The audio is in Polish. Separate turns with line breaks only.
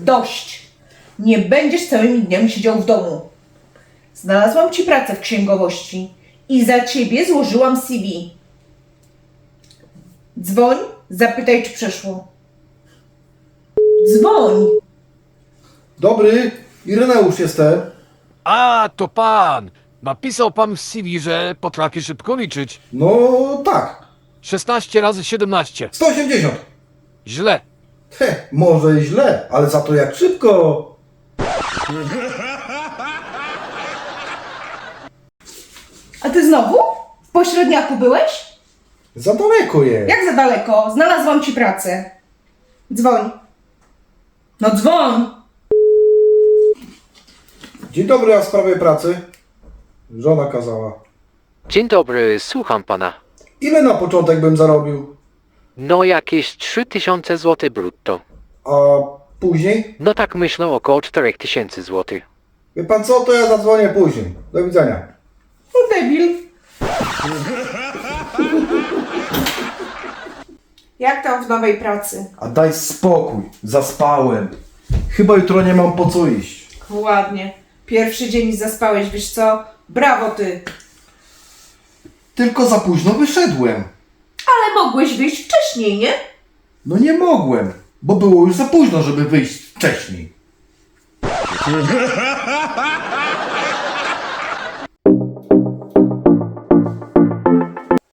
Dość! Nie będziesz całymi dniami siedział w domu. Znalazłam ci pracę w księgowości i za ciebie złożyłam CV. Dzwoń, zapytaj, czy przeszło. Dzwoń!
Dobry, Ireneusz jestem.
A, to pan! Napisał pan w CV, że potrafi szybko liczyć.
No tak,
16 razy 17.
180.
Źle.
Może źle, ale za to jak szybko.
A ty znowu? W pośredniaku byłeś?
Za daleko jest.
Jak za daleko? Znalazłam ci pracę. Dzwoń. No dzwoń!
Dzień dobry, a w sprawie pracy? Żona kazała.
Dzień dobry, słucham pana.
Ile na początek bym zarobił?
No jakieś 3000 zł brutto.
A później?
No tak myślę około 4000 zł.
Wie pan co, to ja zadzwonię później. Do widzenia.
No debil. Jak tam w nowej pracy?
A daj spokój, zaspałem. Chyba jutro nie mam po co iść.
Ładnie. Pierwszy dzień i zaspałeś, wiesz co? Brawo ty.
Tylko za późno wyszedłem.
Ale mogłeś wyjść wcześniej, nie?
No nie mogłem, bo było już za późno, żeby wyjść wcześniej.